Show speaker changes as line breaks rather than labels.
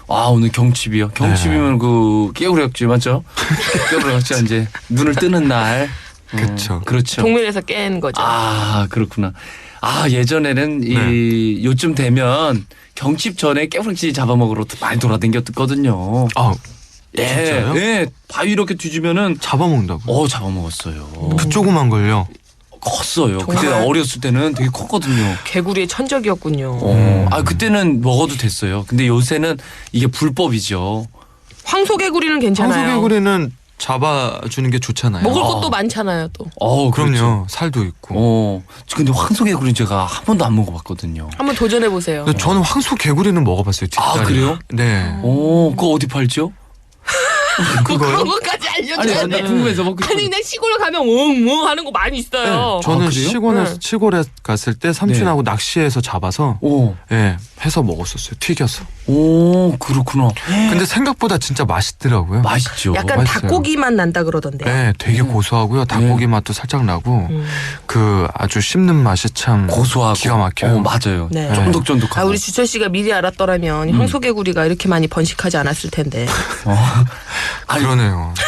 아, 오늘 경칩이요. 경칩이면 그 깨우려각지 맞죠? 깨우려각지가 이제 눈을 뜨는 날.
그렇죠.
그렇죠.
동면에서 깬 거죠.
아, 그렇구나. 아, 예전에는 이 요쯤 되면 경칩 전에 깨우락지 잡아먹으러 많이 돌아다녔거든요.
아,
예,
진짜요?
예, 바위 이렇게 뒤지면은
잡아먹는다고?
잡아먹었어요.
그 조그만 걸요?
컸어요.
정말?
그때 어렸을 때는 되게 컸거든요.
개구리의 천적이었군요.
아, 그때는 먹어도 됐어요. 근데 요새는 이게 불법이죠.
황소개구리는 괜찮아요.
황소개구리는 잡아주는 게 좋잖아요.
먹을 것도 많잖아요, 또.
그럼요.
그렇죠.
살도 있고.
근데 황소개구리는 제가 한 번도 안 먹어봤거든요.
한번 도전해 보세요.
근데 저는 황소개구리는 먹어봤어요. 뒷다리.
아, 그래요?
네.
그거 어디 팔죠?
그거요?
그거까지
아니,
알려줘야
나
돼.
궁금해서 먹고
아니 그냥 시골에 가면 웅웅 하는 거 많이 있어요.
저는
아, 그래요?
네.
시골에 갔을 때 삼촌하고 낚시해서 잡아서 해서 먹었었어요. 튀겨서.
오, 그렇구나.
근데 생각보다 진짜 맛있더라고요.
맛있죠.
약간
맛있어요.
닭고기 맛 난다 그러던데요.
네, 되게 고소하고요. 닭고기 맛도 살짝 나고 그 아주 씹는 맛이 참
고소하고
기가 막혀요.
맞아요.
네.
쫀득쫀득하고.
우리 주철 씨가 미리 알았더라면 황소개구리가 이렇게 많이 번식하지 않았을 텐데.
아니,
그러네요.